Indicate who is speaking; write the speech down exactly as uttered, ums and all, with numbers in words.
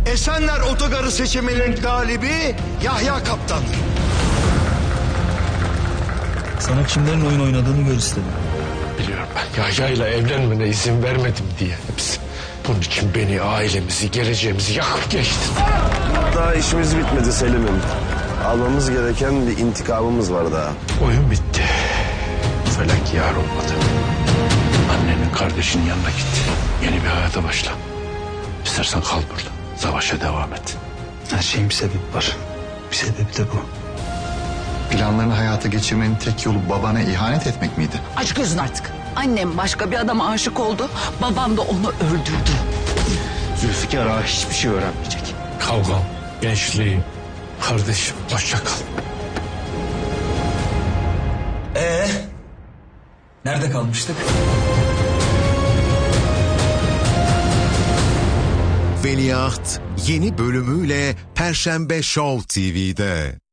Speaker 1: Esenler Otogarı seçiminin galibi Yahya Kaptan'dır.
Speaker 2: Sana kimlerin oyun oynadığını gör istedim.
Speaker 3: Biliyorum ben Yahya'yla evlenmene izin vermedim diye hepsi. Bunun için beni, ailemizi, geleceğimizi yakıp geçtin.
Speaker 4: Daha işimiz bitmedi Selim'im. Almamız gereken bir intikamımız var daha.
Speaker 3: Oyun bitti. Felak yar olmadı. Annenin kardeşinin yanına git. Yeni bir hayata başla. İstersen kal burada. Savaşa devam et.
Speaker 2: Her şeyin bir sebebi var. Bir sebebi de bu.
Speaker 5: Planlarını hayata geçirmenin tek yolu babana ihanet etmek miydi?
Speaker 6: Aç gözün artık. Annem başka bir adama aşık oldu. Babam da onu öldürdü.
Speaker 3: Zülfikar ağa hiçbir şey öğrenmeyecek. Kavgam, gençliğim, kardeşim, hoşça kal.
Speaker 2: Ee, nerede kalmıştık?
Speaker 7: Veliaht yeni bölümüyle Perşembe Show T V'de.